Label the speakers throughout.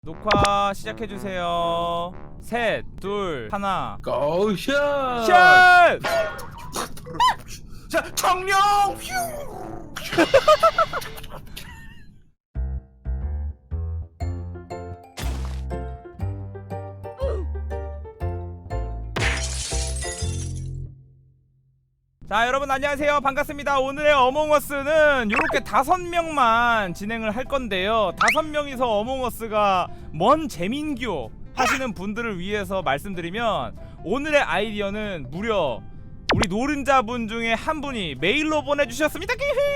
Speaker 1: 녹화 시작해주세요. 셋, 둘, 하나.
Speaker 2: 고샷!
Speaker 1: 샷!
Speaker 2: 자, 청룡!
Speaker 1: 자, 여러분 안녕하세요. 반갑습니다. 오늘의 어몽어스는 이렇게 5명만 진행을 할 건데요. 5명이서 어몽어스가 뭔 재민교 하시는 분들을 위해서 말씀드리면, 오늘의 아이디어는 무려 우리 노른자분 중에 한 분이 메일로 보내주셨습니다.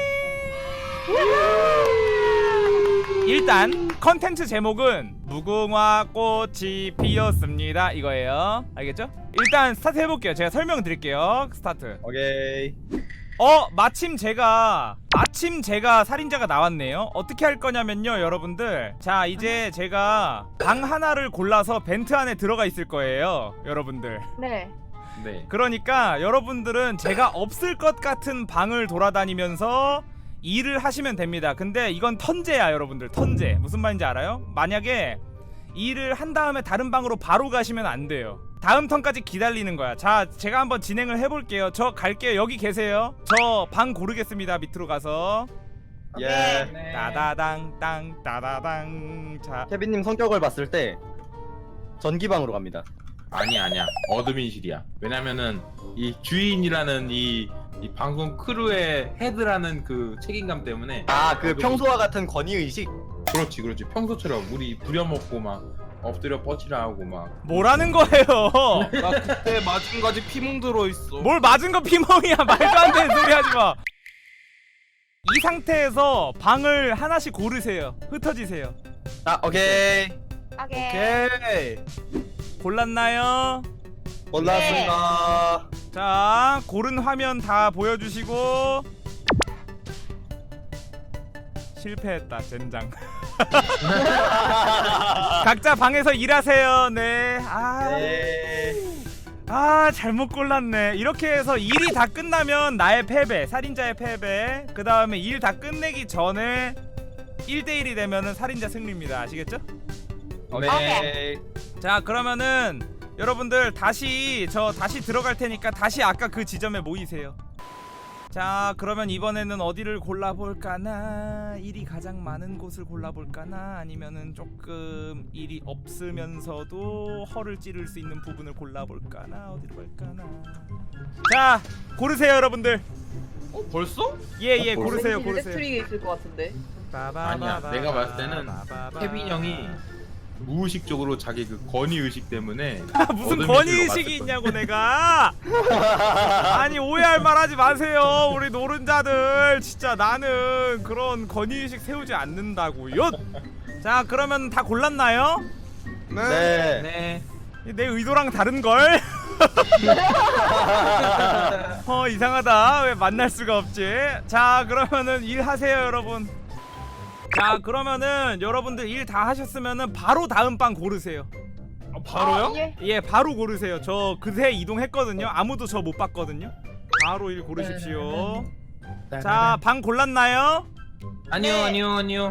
Speaker 1: 일단 컨텐츠 제목은 무궁화 꽃이 피었습니다 이거예요. 알겠죠? 일단 스타트 해볼게요. 제가 설명드릴게요. 스타트.
Speaker 3: 오케이.
Speaker 1: 마침 제가 살인자가 나왔네요. 어떻게 할 거냐면요, 여러분들. 자, 이제 제가 방 하나를 골라서 벤트 안에 들어가 있을 거예요, 여러분들.
Speaker 4: 네.
Speaker 2: 네.
Speaker 1: 그러니까 여러분들은 제가 없을 것 같은 방을 돌아다니면서 일을 하시면 됩니다. 근데 이건 턴제야, 여러분들. 턴제. 무슨 말인지 알아요? 만약에 일을 한 다음에 다른 방으로 바로 가시면 안 돼요. 다음 턴까지 기다리는 거야. 자, 제가 한번 진행을 해볼게요. 저 갈게요. 여기 계세요. 저 방 고르겠습니다. 밑으로 가서.
Speaker 3: 예.
Speaker 2: 네.
Speaker 1: 따다당 땅 따다당. 자,
Speaker 3: 케빈님 성격을 봤을 때 전기방으로 갑니다.
Speaker 2: 아니야. 어드민실이야. 왜냐면은 이 주인이라는 이 방송 크루의 헤드라는 그 책임감 때문에.
Speaker 3: 아, 그 평소와 같은 권위 의식.
Speaker 2: 그렇지. 평소처럼 우리 부려먹고 막 엎드려 뻗치라 하고 막.
Speaker 1: 뭐라는 거예요?
Speaker 5: 나 그때 맞은 거지 피멍 들어있어.
Speaker 1: 뭘 맞은 거 피멍이야. 말도 안 되는 소리 하지 마. 이 상태에서 방을 하나씩 고르세요. 흩어지세요.
Speaker 3: 아, 오케이.
Speaker 4: 오케이.
Speaker 1: 골랐나요?
Speaker 3: 골랐습니다.
Speaker 1: 자, 고른 화면 다 보여주시고. 실패했다, 젠장. 각자 방에서 일하세요. 네. 잘못 골랐네. 이렇게 해서 일이 다 끝나면 나의 패배, 살인자의 패배. 그 다음에 일 다 끝내기 전에 1대1이 되면은 살인자 승리입니다. 아시겠죠?
Speaker 3: 오케이.
Speaker 1: 자, 그러면은 여러분들 다시 들어갈 테니까 다시 아까 그 지점에 모이세요. 자, 그러면 이번에는 어디를 골라볼까나? 일이 가장 많은 곳을 골라볼까나? 아니면은 조금 일이 없으면서도 허를 찌를 수 있는 부분을 골라볼까나? 어디로 갈까나? 자, 고르세요, 여러분들.
Speaker 5: 벌써?
Speaker 1: 예, 고르세요.
Speaker 4: 일렉트릭에 있을 것 같은데.
Speaker 2: 아니야. 내가 봤을 때는 케빈 형이 무의식적으로 자기 그 권위 의식 때문에
Speaker 1: 무슨
Speaker 2: 어드민실로
Speaker 1: 권위의식이
Speaker 2: 갔을
Speaker 1: 있냐고 내가. 아니, 오해할 말 하지 마세요. 우리 노른자들 진짜 나는 그런 권위의식 세우지 않는다고요. 자, 그러면 다 골랐나요?
Speaker 3: 네.
Speaker 2: 네.
Speaker 1: 내 의도랑 다른걸? 이상하다. 왜 만날 수가 없지? 자, 그러면은 일하세요, 여러분. 자, 그러면은 여러분들 일 다 하셨으면은 바로 다음 방 고르세요.
Speaker 5: 바로요?
Speaker 4: 예.
Speaker 1: 예, 바로 고르세요. 저 그새 이동했거든요. 아무도 저 못 봤거든요. 바로 일 고르십시오. 자, 방 골랐나요?
Speaker 2: 아니요.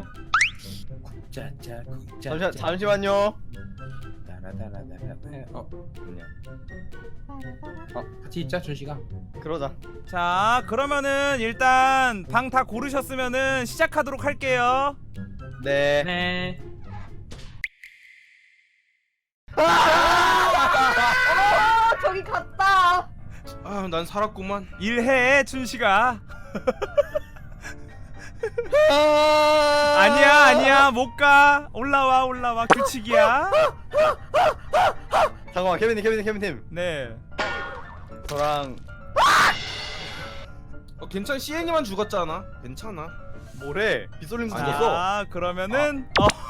Speaker 3: 잠시만요.
Speaker 2: 같이 있자, 준식아.
Speaker 3: 그러자.
Speaker 1: 자, 그러면은 일단 방 다 고르셨으면은 시작하도록 할게요.
Speaker 3: 네.
Speaker 2: 네.
Speaker 4: 저기 갔다.
Speaker 5: 아, 난 살았구만.
Speaker 1: 일해, 춘식아. 아니야, 못 가. 올라와. 규칙이야.
Speaker 3: 잠깐만, 케빈님.
Speaker 1: 네.
Speaker 3: 저랑
Speaker 5: 괜찮아. CN이만 죽었잖아. 괜찮아.
Speaker 3: 뭐래? 빗솔림 죽었어.
Speaker 1: 자, 그러면은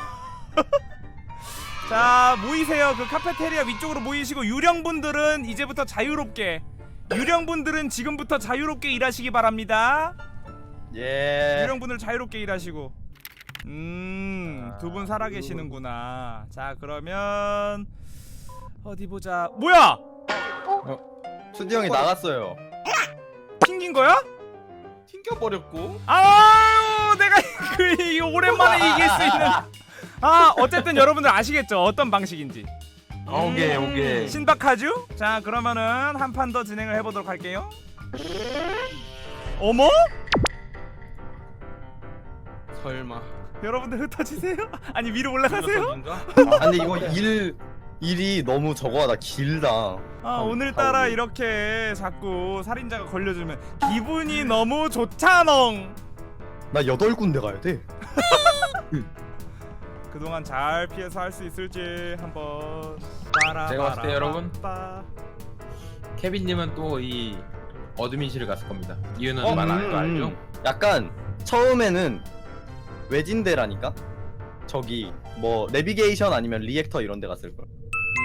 Speaker 1: 자, 모이세요. 그 카페테리아 위쪽으로 모이시고, 유령분들은 이제부터 유령분들은 지금부터 자유롭게 일하시기 바랍니다.
Speaker 3: 예.
Speaker 1: 유령분들 자유롭게 일하시고. 두 분 살아계시는구나. 자, 그러면 어디 보자. 뭐야?
Speaker 3: 수디 형이 나갔어요.
Speaker 1: 튕긴 거야?
Speaker 5: 튕겨버렸고.
Speaker 1: 아유, 내가 그 오랜만에 이길 수 있는. 아 어쨌든 여러분들 아시겠죠? 어떤 방식인지.
Speaker 2: 오케이 오케이.
Speaker 1: 신박하죠? 자 그러면은 한 판 더 진행을 해보도록 할게요. 어머?
Speaker 5: 설마.
Speaker 1: 여러분들 흩어지세요? 아니 위로 올라가세요?
Speaker 5: 인가?
Speaker 3: 아, 근데 이거 일이 너무 저거하다 길다.
Speaker 1: 아 오늘따라 이렇게 자꾸 살인자가 걸려주면 기분이 너무 좋잖엉.
Speaker 3: 나 8군데 가야 돼.
Speaker 1: 그동안 잘 피해서 할 수 있을지 한번.
Speaker 2: 제가 봤을 때 여러분,
Speaker 1: 빠라바라바빠.
Speaker 2: 케빈님은 또 이 어드민실을 갔을 겁니다. 이유는
Speaker 3: 어,
Speaker 2: 말 안 해도 알죠?
Speaker 3: 약간 처음에는 외진데라니까. 저기 뭐 내비게이션 아니면 리액터 이런 데 갔을 걸.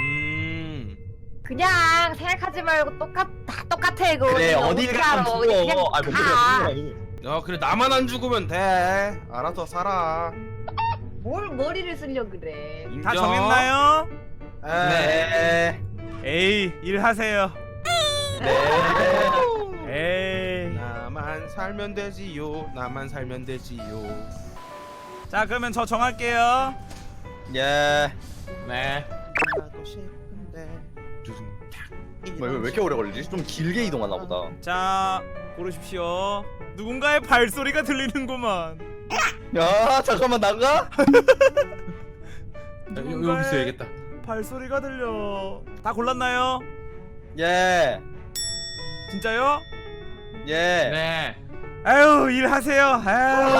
Speaker 4: 그냥 생각하지 말고 다 똑같아 이거.
Speaker 3: 그래
Speaker 4: 그냥
Speaker 3: 어딜
Speaker 4: 어떻게
Speaker 3: 가면
Speaker 4: 알아.
Speaker 3: 죽어.
Speaker 4: 그냥
Speaker 3: 아, 뭔
Speaker 4: 가.
Speaker 3: 소리야.
Speaker 5: 야 그래 나만 안 죽으면 돼. 알아서 살아.
Speaker 4: 뭘 머리를 쓰려 그래.
Speaker 1: 다
Speaker 5: 인정.
Speaker 1: 정했나요?
Speaker 3: 네.
Speaker 1: 에이 일하세요.
Speaker 3: 네.
Speaker 1: 에이.
Speaker 5: 나만 살면 되지요. 나만 살면 되지요.
Speaker 1: 자 그러면 저 정할게요.
Speaker 3: 예.
Speaker 2: 네.
Speaker 5: 하고 싶은데.
Speaker 3: 왜 이렇게 오래 걸리지? 좀 길게 이동하나 보다.
Speaker 1: 자 고르십시오. 누군가의 발소리가 들리는구만.
Speaker 3: 야 잠깐만 나가?
Speaker 2: 여기 있어야겠다.
Speaker 1: 발소리가 들려. 다 골랐나요?
Speaker 3: 예.
Speaker 1: 진짜요?
Speaker 3: 예.
Speaker 2: 네.
Speaker 1: 아유 일하세요. 아유.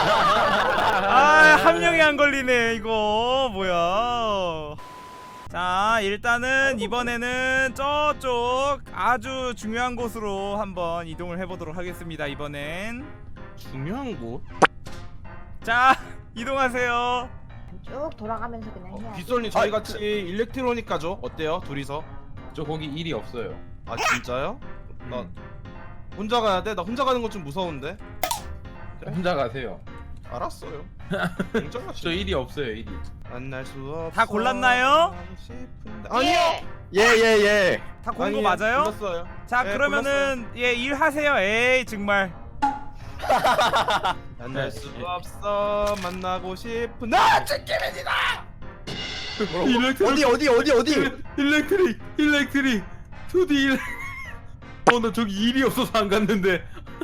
Speaker 1: 한 명이 안 걸리네 이거 뭐야. 자 일단은 이번에는 저쪽 아주 중요한 곳으로 한번 이동을 해보도록 하겠습니다. 이번엔
Speaker 5: 중요한 곳?
Speaker 1: 자 이동하세요.
Speaker 4: 쭉 돌아가면서 그냥 해야.
Speaker 5: 빗솔님 저희 같이 일렉트로닉 가죠? 어때요? 둘이서?
Speaker 2: 저 거기 일이 없어요.
Speaker 5: 아 진짜요? 나 혼자 가야 돼? 나 혼자 가는 건 좀 무서운데.
Speaker 2: 혼자 가세요.
Speaker 5: 알았어요.
Speaker 2: 저
Speaker 5: 인정하시죠.
Speaker 2: 일이 없어요 일이.
Speaker 5: 만날 수 없어.
Speaker 1: 다 골랐나요?
Speaker 5: 싶은데.
Speaker 4: 예.
Speaker 3: 예.
Speaker 1: 다 고른 거 맞아요?
Speaker 5: 골랐어요.
Speaker 1: 자
Speaker 5: 네,
Speaker 1: 그러면은 예 일하세요. 에이 정말.
Speaker 5: 만날 수 없어. 만나고 싶은 나 치킨입니다.
Speaker 3: 어디?
Speaker 2: 일렉트릭 2D 일렉. 나 저기 일이 없어서 안 갔는데.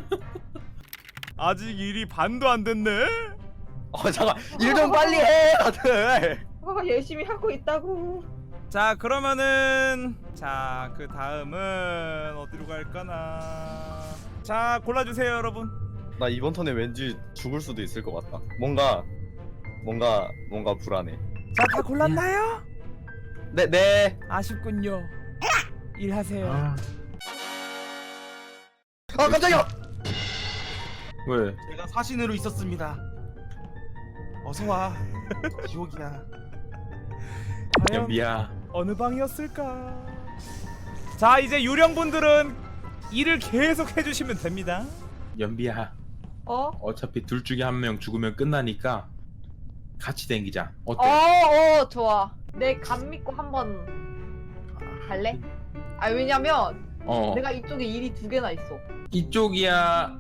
Speaker 1: 아직 일이 반도 안 됐네.
Speaker 3: 잠깐 일 좀 빨리 해 다들.
Speaker 4: 열심히 하고 있다고.
Speaker 1: 자 그러면은 자 그 다음은 어디로 갈까나. 자 골라주세요 여러분.
Speaker 3: 나 이번 턴에 왠지 죽을 수도 있을 것 같다. 뭔가 불안해.
Speaker 1: 자 다 골랐나요?
Speaker 3: 네.
Speaker 1: 아쉽군요. 일하세요.
Speaker 3: 아 깜짝이야.
Speaker 2: 왜?
Speaker 5: 제가 사신으로 있었습니다. 어서 와. 지옥이야.
Speaker 1: 과연
Speaker 2: 연비야.
Speaker 1: 어느 방이었을까? 자 이제 유령분들은 일을 계속 해주시면 됩니다.
Speaker 2: 연비야. 어차피 둘 중에 한 명 죽으면 끝나니까 같이 댕기자. 어때?
Speaker 4: 좋아. 내 감 믿고 한번 갈래? 아 왜냐면 내가 이쪽에 일이 2개나 있어.
Speaker 2: 이쪽이야.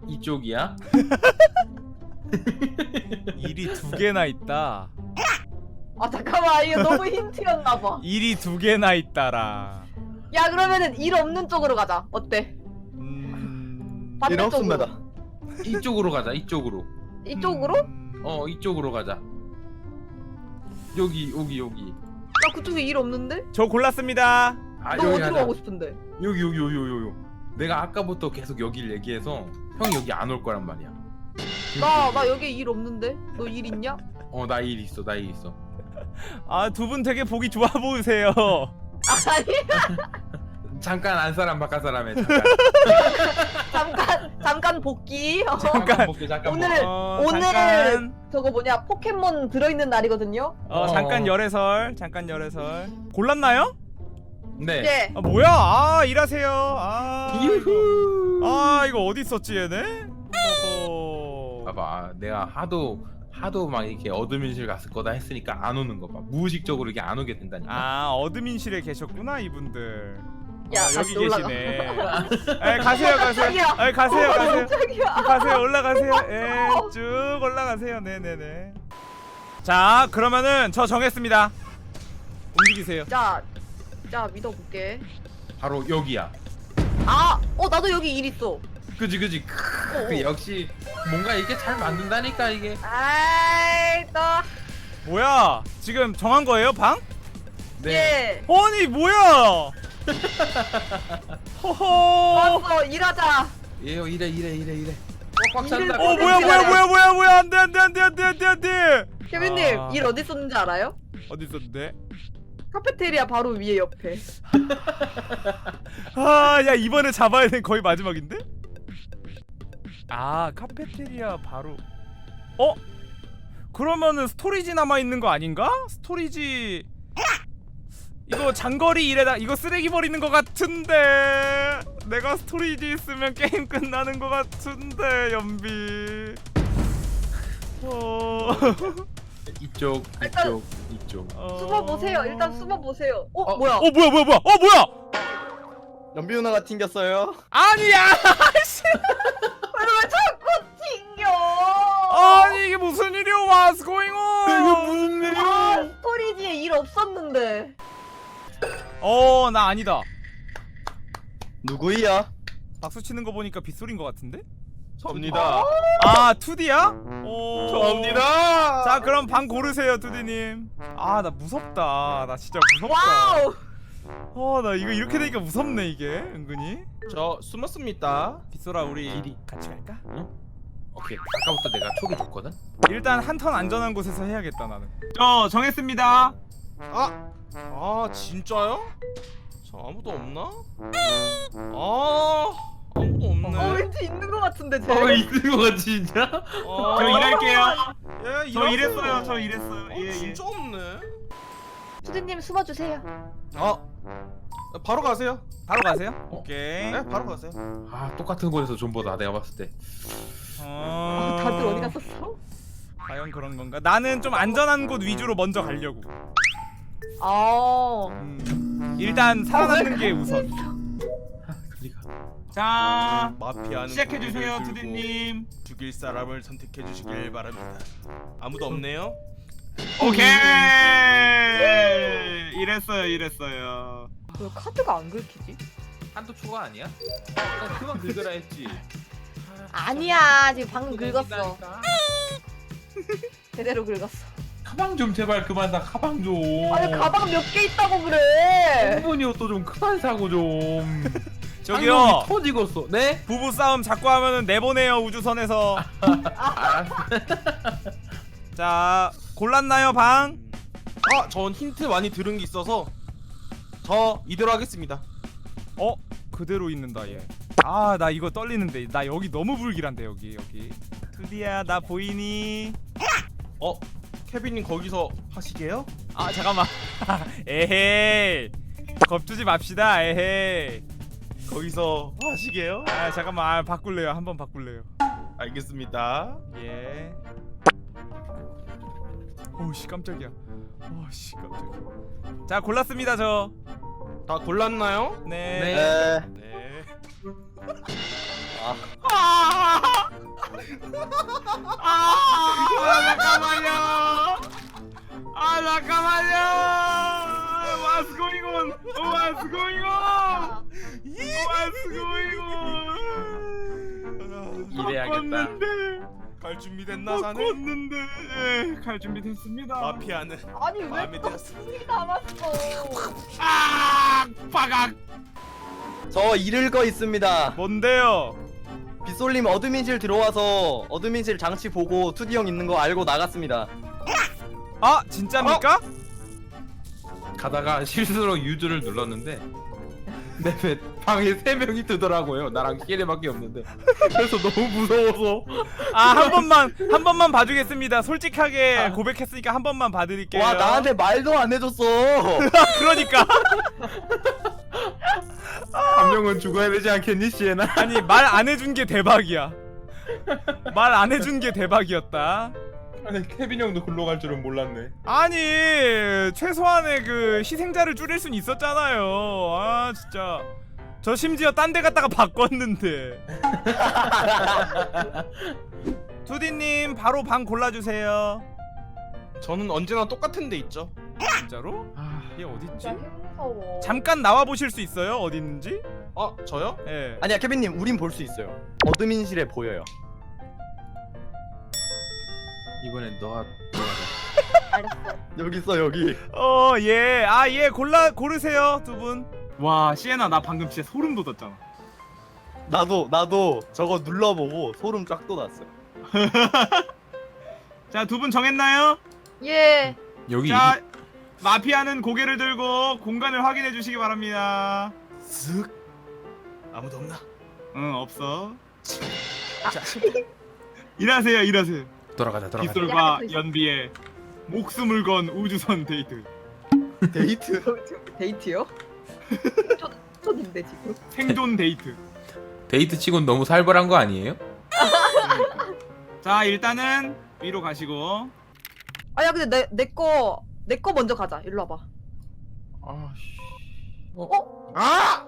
Speaker 1: 일이 2개나 있다.
Speaker 4: 아 잠깐만 이거 너무 힌트였나봐.
Speaker 1: 일이 2개나 있다라.
Speaker 4: 야 그러면은 일 없는 쪽으로 가자. 어때?
Speaker 3: 일 없습니다.
Speaker 2: 이쪽으로 가자. 이쪽으로.
Speaker 4: 이쪽으로?
Speaker 2: 이쪽으로 가자. 여기.
Speaker 4: 나 그쪽에 일 없는데?
Speaker 1: 저 골랐습니다.
Speaker 2: 아,
Speaker 4: 너
Speaker 2: 여기
Speaker 4: 어디로
Speaker 2: 가자.
Speaker 4: 가고 싶은데?
Speaker 2: 여기. 내가 아까부터 계속 여기를 얘기해서 형이 여기 안 올 거란 말이야.
Speaker 4: 나 여기 일 없는데? 너 일 있냐?
Speaker 2: 나 일 있어.
Speaker 1: 아 두 분 되게 보기 좋아 보이세요.
Speaker 4: 아니
Speaker 2: 잠깐 안 사람 바깥 사람에
Speaker 4: 잠깐 복귀.
Speaker 2: 잠깐 볼게. 잠깐
Speaker 4: 오늘
Speaker 2: 볼게.
Speaker 4: 오늘
Speaker 1: 잠깐
Speaker 4: 저거 뭐냐 포켓몬 들어있는 날이거든요.
Speaker 1: 잠깐 열애설. 골랐나요?
Speaker 2: 네.
Speaker 4: 예.
Speaker 1: 아 뭐야? 일하세요.
Speaker 2: 유후.
Speaker 1: 이거 어디 있었지 얘네?
Speaker 2: 봐봐, 내가 하도 막 이렇게 어드민실 갔을 거다 했으니까 안 오는 거 봐. 무의식적으로 이게 안 오게 된다니까.
Speaker 1: 어드민실에 계셨구나 이분들.
Speaker 4: 야,
Speaker 1: 여기
Speaker 4: 다시 올라가.
Speaker 1: 계시네. 가세요.
Speaker 4: 깜짝이야.
Speaker 1: 가세요.
Speaker 4: 깜짝이야.
Speaker 1: 가세요. 올라가세요. 쭉 올라가세요. 네네네. 자 그러면은 저 정했습니다. 움직이세요.
Speaker 4: 자 믿어볼게.
Speaker 2: 바로 여기야.
Speaker 4: 나도 여기 일 있어.
Speaker 2: 그지. 그 역시 뭔가 이게 잘 만든다니까 이게.
Speaker 4: 아이 또.
Speaker 1: 뭐야 지금 정한 거예요 방?
Speaker 2: 네.
Speaker 4: 예.
Speaker 1: 아니 뭐야 허허
Speaker 4: 왔어 일하자.
Speaker 2: 예요 이래. 꽉꽉 찬다.
Speaker 1: 뭐야 안돼
Speaker 4: 케빈님
Speaker 1: 아.
Speaker 4: 일 어디 있었는지 알아요?
Speaker 1: 어디 있었는데?
Speaker 4: 카페테리아 바로 위에 옆에.
Speaker 1: 야 이번에 잡아야 된 거의 마지막인데? 카페테리아 바로 그러면은 스토리지 남아있는 거 아닌가? 스토리지 이거 장거리 일에다 이거 쓰레기 버리는 거 같은데 내가 스토리지 있으면 게임 끝나는 거 같은데 연비
Speaker 2: 이쪽.
Speaker 4: 숨어보세요. 일단 숨어보세요.
Speaker 2: 어.
Speaker 4: 뭐야?
Speaker 1: 뭐야
Speaker 3: 연비 누나가 튕겼어요.
Speaker 1: 아니야
Speaker 4: 왜 자꾸 튕겨?
Speaker 1: 아니 이게 무슨 일이야 What's going on
Speaker 2: 무슨 일이야?
Speaker 4: 스토리지에 일 없었는데.
Speaker 1: 나 아니다
Speaker 3: 누구야?
Speaker 1: 박수 치는 거 보니까 빗소리인 거 같은데?
Speaker 5: 접니다.
Speaker 1: 2D야?
Speaker 5: 접니다.
Speaker 1: 자 그럼 방 고르세요 2D님. 나 무섭다. 나 진짜 무섭다.
Speaker 4: 와우.
Speaker 1: 나 이거 이렇게 되니까 무섭네 이게 은근히.
Speaker 5: 저 숨었습니다.
Speaker 1: 빗소라 우리
Speaker 2: 길이.
Speaker 1: 같이 갈까?
Speaker 2: 오케이. 아까부터 내가 촉이 줬거든.
Speaker 1: 일단 한 턴 안전한 곳에서 해야겠다 나는. 저 정했습니다.
Speaker 5: 진짜요? 저 아무도 없나? 아무도 없네.
Speaker 4: 왠지 있는 것 같은데 쟤.
Speaker 2: 있는 거 같지 진짜?
Speaker 1: 저 일할게요.
Speaker 5: 예,
Speaker 1: 저 일했어요. 저 일했어요.
Speaker 5: 진짜 없네.
Speaker 4: 수디님 숨어주세요.
Speaker 5: 바로 가세요.
Speaker 1: 바로 가세요. 오케이.
Speaker 5: 네, 바로 가세요.
Speaker 2: 똑같은 곳에서 존버다 내가 봤을 때.
Speaker 4: 다들 어디 갔었어?
Speaker 1: 과연 그런 건가? 나는 좀 안전한 곳 위주로 먼저 가려고. 일단 살아남는 게 우선. 자,
Speaker 5: 마피아는
Speaker 1: 시작해주세요,
Speaker 5: 고개를 들고
Speaker 1: 두디님.
Speaker 5: 죽일 사람을 선택해 주시길 바랍니다. 아무도 없네요.
Speaker 1: 오케이. 이랬어요.
Speaker 4: 왜 카드가 안 긁히지?
Speaker 2: 한도 초가 아니야? 그만 긁으라 했지.
Speaker 4: 아니야 지금 방금 긁었어. 제대로 긁었어.
Speaker 2: 가방 좀 제발 그만 사. 가방 좀.
Speaker 4: 아니 가방 몇 개 있다고 그래.
Speaker 2: 충분히 옷도 좀 그만 사고 좀.
Speaker 1: 저기요.
Speaker 2: 쌍놈이 터지겠어. 네?
Speaker 1: 부부 싸움 자꾸 하면은 내보내요 우주선에서. 자, 골랐나요 방?
Speaker 5: 전 힌트 많이 들은 게 있어서 저 이대로 하겠습니다.
Speaker 1: 그대로 있는다 얘. 나 이거 떨리는데. 나 여기 너무 불길한데 여기. 두디야 나 보이니?
Speaker 5: 케빈님 거기서 하시게요?
Speaker 1: 잠깐만. 에헤이. 겁주지 맙시다. 에헤이.
Speaker 5: 거기서 하시게요?
Speaker 1: 잠깐만. 바꿀래요. 한번 바꿀래요.
Speaker 5: 알겠습니다.
Speaker 1: 예. 오씨 깜짝이야. 오씨 깜짝이야. 자 골랐습니다 저.
Speaker 5: 다 골랐나요?
Speaker 1: 네.
Speaker 5: 네.
Speaker 1: 잠깐만요. What's going on? What's going on?
Speaker 2: 이래야겠다.
Speaker 5: 갈 준비 됐나 자네?
Speaker 1: 바꿨는데 갈 준비 됐습니다.
Speaker 5: 마피아는
Speaker 4: 아니 왜
Speaker 5: 마음에
Speaker 4: 또
Speaker 5: 들었습니다.
Speaker 4: 숨이 남았어?
Speaker 1: 빠각.
Speaker 3: 저 잃을 거 있습니다.
Speaker 1: 뭔데요?
Speaker 3: 빗솔님 어드민실 들어와서 어드민실 장치 보고 2D 형 있는 거 알고 나갔습니다.
Speaker 1: 진짜입니까?
Speaker 2: 가다가 실수로 유즈를 눌렀는데 내 방에 3명이 뜨더라고요. 나랑 키레밖에 없는데. 그래서 너무 무서워서.
Speaker 1: 한 번만 봐주겠습니다. 솔직하게 고백했으니까 한 번만 봐드릴게요.
Speaker 3: 와 나한테 말도 안 해줬어.
Speaker 1: 그러니까.
Speaker 2: 한 명은 죽어야 되지 않겠니 시에나?
Speaker 1: 아니 말 안 해준 게 대박이야. 말 안 해준 게 대박이었다.
Speaker 2: 아니 케빈 형도 글로 갈 줄은 몰랐네.
Speaker 1: 아니 최소한의 그 희생자를 줄일 순 있었잖아요. 진짜 저 심지어 딴 데 갔다가 바꿨는데. 투디님 바로 방 골라주세요.
Speaker 5: 저는 언제나 똑같은 데 있죠.
Speaker 1: 진짜로? 얘 어딨지?
Speaker 4: 진짜 무서워.
Speaker 1: 잠깐 나와 보실 수 있어요? 어디 있는지?
Speaker 5: 저요?
Speaker 1: 예.
Speaker 3: 아니야 케빈님 우린 볼 수 있어요. 어드민실에 보여요.
Speaker 2: 이번엔 너가 들어가자.
Speaker 4: 알았어.
Speaker 3: 여기 있어 여기.
Speaker 1: 예. 얘 고르세요, 두 분.
Speaker 6: 와 시에나 나 방금 진짜 소름 돋았잖아.
Speaker 3: 나도 저거 눌러보고 소름 쫙 돋았어요.
Speaker 6: 자 두 분 정했나요?
Speaker 4: 예.
Speaker 2: 여기
Speaker 6: 자 마피아는 고개를 들고 공간을 확인해 주시기 바랍니다.
Speaker 5: 쓱. 아무도 없나?
Speaker 6: 응 없어. 일하세요.
Speaker 2: 돌아가자.
Speaker 6: 빗솔과
Speaker 4: 있어.
Speaker 6: 연비의 목숨을 건 우주선 데이트.
Speaker 3: 데이트?
Speaker 4: 데이트요? 쫓인데 지금.
Speaker 6: 생존 데이트.
Speaker 2: 데이트 치곤 너무 살벌한 거 아니에요?
Speaker 6: 자 일단은 위로 가시고.
Speaker 4: 아야 근데 내 거 먼저 가자. 일로 와봐.
Speaker 2: 아씨.
Speaker 5: 아!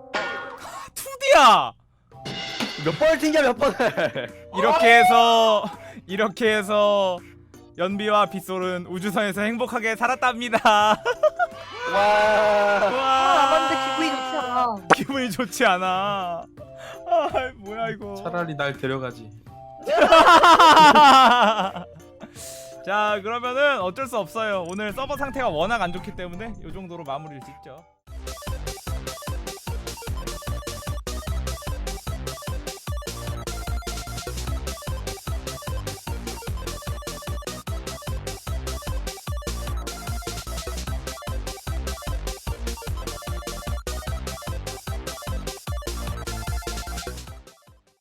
Speaker 1: 투디야.
Speaker 3: 몇 번을 튕겨 몇 번을.
Speaker 1: 이렇게 해서 연비와 빗솔은 우주선에서 행복하게 살았답니다.
Speaker 3: 와.
Speaker 4: 아
Speaker 1: 와.
Speaker 4: 근데 기분이 좋지 않아.
Speaker 1: 기분이 좋지 않아. 뭐야 이거.
Speaker 2: 차라리 날 데려가지.
Speaker 1: 자, 그러면은 어쩔 수 없어요. 오늘 서버 상태가 워낙 안 좋기 때문에 이 정도로 마무리를 짓죠.